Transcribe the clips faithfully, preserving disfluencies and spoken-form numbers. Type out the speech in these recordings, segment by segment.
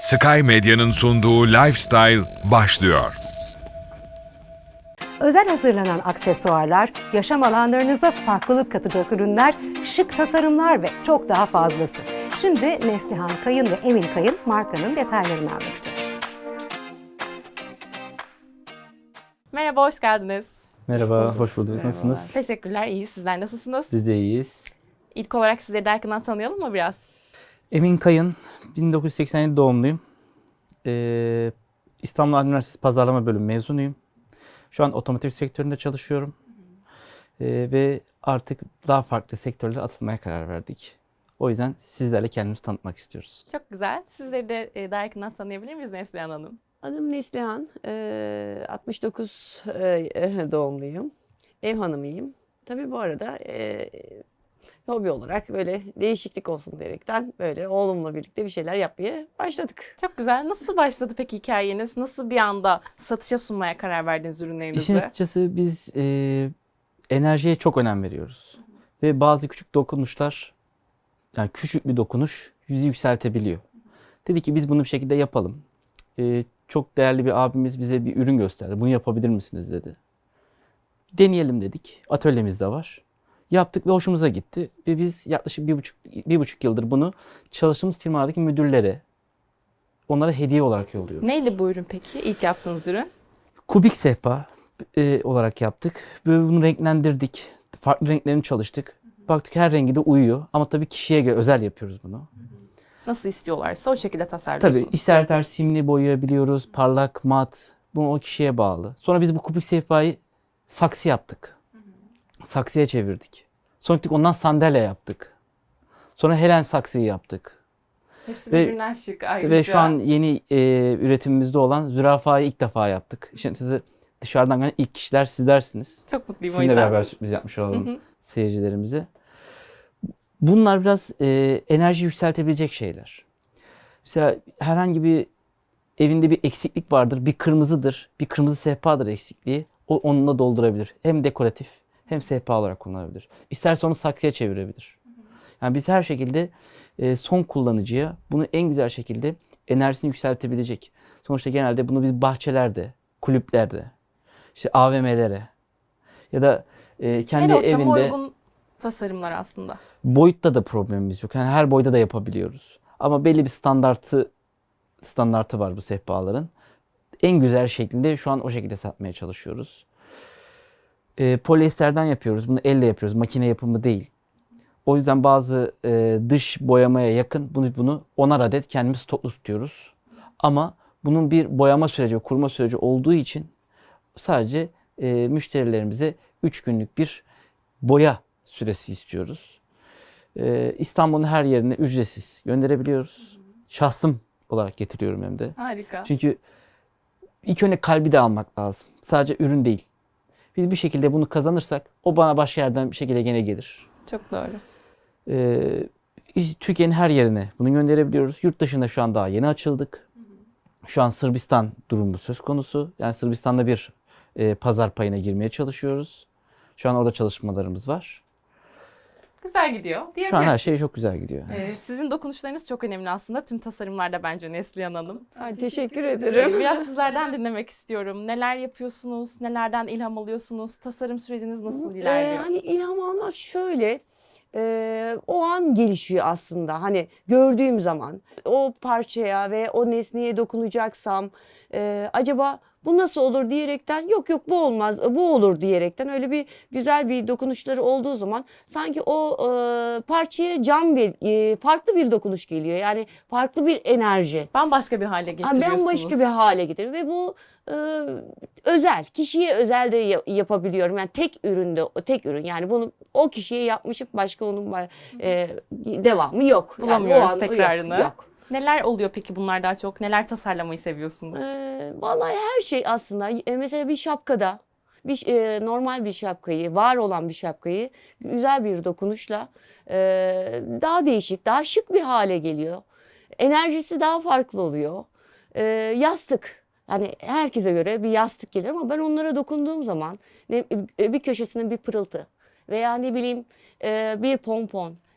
Sky Medya'nın sunduğu Lifestyle başlıyor. Özel hazırlanan aksesuarlar, yaşam alanlarınıza farklılık katacak ürünler, şık tasarımlar ve çok daha fazlası. Şimdi Neslihan Kayın ve Emin Kayın markanın detaylarını anlatacak. Merhaba, hoş geldiniz. Merhaba, hoş bulduk. Nasılsınız? Teşekkürler, iyi. Sizler nasılsınız? Biz de iyiyiz. İlk olarak sizleri de yakından tanıyalım mı biraz? Emin Kayın, bin dokuz yüz seksen yedi doğumluyum. Ee, İstanbul Üniversitesi Pazarlama Bölümü mezunuyum. Şu an otomotiv sektöründe çalışıyorum. Ee, ve artık daha farklı sektörlere atılmaya karar verdik. O yüzden sizlerle kendimizi tanıtmak istiyoruz. Çok güzel. Sizleri de e, daha yakından tanıyabilir miyiz Neslihan Hanım? Adım Neslihan, eee, altmış dokuz eee, doğumluyum, ev hanımıyım. Tabii bu arada eee, hobi olarak böyle değişiklik olsun diyerekten böyle oğlumla birlikte bir şeyler yapmaya başladık. Çok güzel. Nasıl başladı peki hikayeniz? Nasıl bir anda satışa sunmaya karar verdiniz İşin ürünlerinizi? açıkçası biz e, enerjiye çok önem veriyoruz. Ve bazı küçük dokunuşlar, yani küçük bir dokunuş yüzü yükseltebiliyor. Dedi ki biz bunu bir şekilde yapalım. E, çok değerli bir abimiz bize bir ürün gösterdi. Bunu yapabilir misiniz dedi. Deneyelim dedik. Atölyemiz de var. Yaptık ve hoşumuza gitti. Ve biz yaklaşık bir buçuk, bir buçuk yıldır bunu çalıştığımız firmalardaki müdürlere, onlara hediye olarak yolluyoruz. Neydi bu ürün peki? İlk yaptığınız ürün? Kubik sehpa e, olarak yaptık. Böyle bunu renklendirdik. Farklı renklerini çalıştık. Baktık her rengi de uyuyor. Ama tabii kişiye göre özel yapıyoruz bunu. Nasıl istiyorlarsa o şekilde tasarlıyorsunuz. Tabii ister ister simli boyayabiliyoruz. Parlak, mat. Bu o kişiye bağlı. Sonra biz bu kubik sehpayı saksı yaptık. Saksıya çevirdik. Sonra gittik ondan sandalye yaptık. Sonra Helen saksıyı yaptık. Hepsi Ve- birbirinden şık ayrıca. Ve şu an yeni e, üretimimizde olan zürafayı ilk defa yaptık. Şimdi size dışarıdan gelen ilk kişiler sizlersiniz. Çok mutluyum o Sizinle yüzden. beraber sürpriz yapmış olalım Hı hı. seyircilerimize. Bunlar biraz e, enerji yükseltebilecek şeyler. Mesela herhangi bir evinde bir eksiklik vardır. Bir kırmızıdır. Bir kırmızı sehpadır eksikliği. O onunla doldurabilir. Hem dekoratif hem sehpa olarak kullanabilir. İsterse onu saksıya çevirebilir. Yani biz her şekilde e, son kullanıcıya bunu en güzel şekilde enerjisini yükseltebilecek. Sonuçta genelde bunu biz bahçelerde, kulüplerde, işte A V M'lere ya da e, kendi Her ortama evinde uygun tasarımlar aslında. boyutta da problemimiz yok. Yani her boyda da yapabiliyoruz. Ama belli bir standartı standartı var bu sehpaların. En güzel şeklinde şu an o şekilde satmaya çalışıyoruz. E, polyesterden yapıyoruz. Bunu elle yapıyoruz. Makine yapımı değil. O yüzden bazı e, dış boyamaya yakın bunu bunu onar adet kendimiz stoklu tutuyoruz. Ama bunun bir boyama süreci ve kurma süreci olduğu için sadece e, müşterilerimize üç günlük bir boya süresi istiyoruz. E, İstanbul'un her yerine ücretsiz gönderebiliyoruz. Şahsım olarak getiriyorum hem de. Harika. Çünkü ilk önce kalbi de almak lazım. Sadece ürün değil. Biz bir şekilde bunu kazanırsak o bana başka yerden bir şekilde gene gelir. Çok doğru. Ee, biz Türkiye'nin her yerine bunu gönderebiliyoruz. Yurt dışında şu an daha yeni açıldık. Şu an Sırbistan durumu söz konusu. Yani Sırbistan'da bir e, pazar payına girmeye çalışıyoruz. Şu an orada çalışmalarımız var. Güzel gidiyor Şu an diyebiliriz. her şey çok güzel gidiyor. Ee, sizin dokunuşlarınız çok önemli aslında tüm tasarımlarda bence Neslihan Hanım. Ay, teşekkür Ee, ederim. Biraz sizlerden dinlemek istiyorum. Neler yapıyorsunuz? Nelerden ilham alıyorsunuz? Tasarım süreciniz nasıl Ee, ilerliyor? hani ilham almak şöyle, e, o an gelişiyor aslında. Hani gördüğüm zaman o parçaya ve o nesneye dokunacaksam e, acaba bu nasıl olur diyerekten yok yok bu olmaz bu olur diyerekten öyle bir güzel bir dokunuşları olduğu zaman sanki o e, parçaya can ve e, farklı bir dokunuş geliyor. Yani farklı bir enerji. Bambaşka bir hale Ha, getiriyorsunuz. bambaşka bir hale getiriyor ve bu e, özel, kişiye özel de ya- yapabiliyorum. Yani tek üründe, o tek ürün yani bunu o kişiye yapmışım başka onun ba- e, devamı yok. Yani o Bulamıyoruz an- tekrarını. Yok, yok. Neler oluyor peki bunlar daha çok? Neler tasarlamayı seviyorsunuz? E, vallahi her şey aslında e, mesela bir şapkada bir e, normal bir şapkayı, var olan bir şapkayı güzel bir dokunuşla e, daha değişik, daha şık bir hale geliyor. Enerjisi daha farklı oluyor. E, yastık. Yani herkese göre bir yastık gelir ama ben onlara dokunduğum zaman ne, bir köşesinin bir pırıltı veya ne bileyim e, bir pompon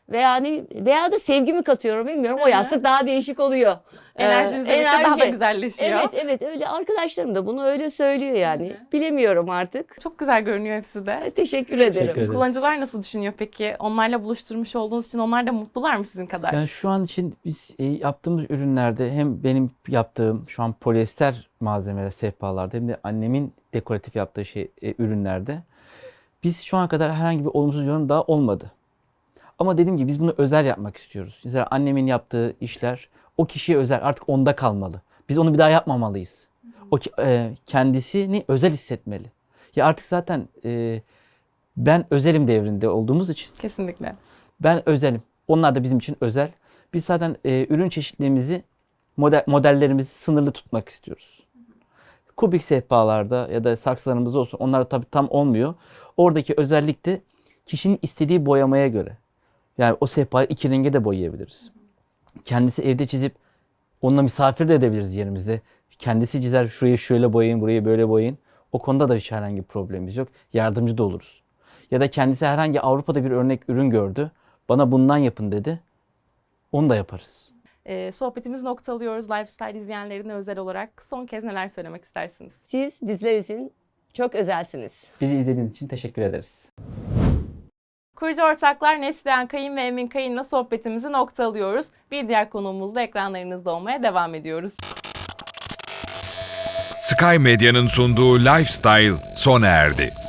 veya hani veya da sevgimi katıyorum bilmiyorum. O Hı hı. yastık daha değişik oluyor. Ee, Enerjiniz birlikte daha da enerji. güzelleşiyor. Evet evet öyle arkadaşlarım da bunu öyle söylüyor yani. Hı hı. Bilemiyorum artık. Çok güzel görünüyor hepsi de. Teşekkür Teşekkür ederim. ederiz. Kullanıcılar nasıl düşünüyor peki? Onlarla buluşturmuş olduğunuz için onlar da mutlular mı sizin kadar? Yani şu an için biz e, yaptığımız ürünlerde hem benim yaptığım şu an polyester malzemeler sehpalarda hem de annemin dekoratif yaptığı şey e, ürünlerde biz şu ana kadar herhangi bir olumsuz yorum daha olmadı. Ama dediğim gibi biz bunu özel yapmak istiyoruz. Mesela annemin yaptığı işler o kişiye özel, artık onda kalmalı. Biz onu bir daha yapmamalıyız. O ki- e, kendisini özel hissetmeli. Ya artık zaten e, ben özelim devrinde olduğumuz için Kesinlikle. ben özelim. Onlar da bizim için özel. Biz zaten e, ürün çeşitlerimizi, model, modellerimizi sınırlı tutmak istiyoruz. Kubik sehpalarda ya da saksılarımızda olsun, onlar tabii tam olmuyor. Oradaki özellik de kişinin istediği boyamaya göre. Yani o sehpayı iki renge de boyayabiliriz. Kendisi evde çizip onunla misafir de edebiliriz yerimizde. Kendisi çizer, şurayı şöyle boyayın, burayı böyle boyayın. O konuda da hiç herhangi bir problemimiz yok. Yardımcı da oluruz. Ya da kendisi herhangi Avrupa'da bir örnek ürün gördü. Bana bundan yapın dedi. Onu da yaparız. Ee, sohbetimizi noktalıyoruz. Lifestyle izleyenlerine özel olarak son kez neler söylemek istersiniz? Siz bizler için çok özelsiniz. Bizi izlediğiniz için teşekkür ederiz. Kurucu ortaklar Neslihan Kayın ve Emin Kayın'la sohbetimizi noktalıyoruz. Bir diğer konuğumuzla ekranlarınızda olmaya devam ediyoruz. Sky Medya'nın sunduğu Lifestyle sona erdi.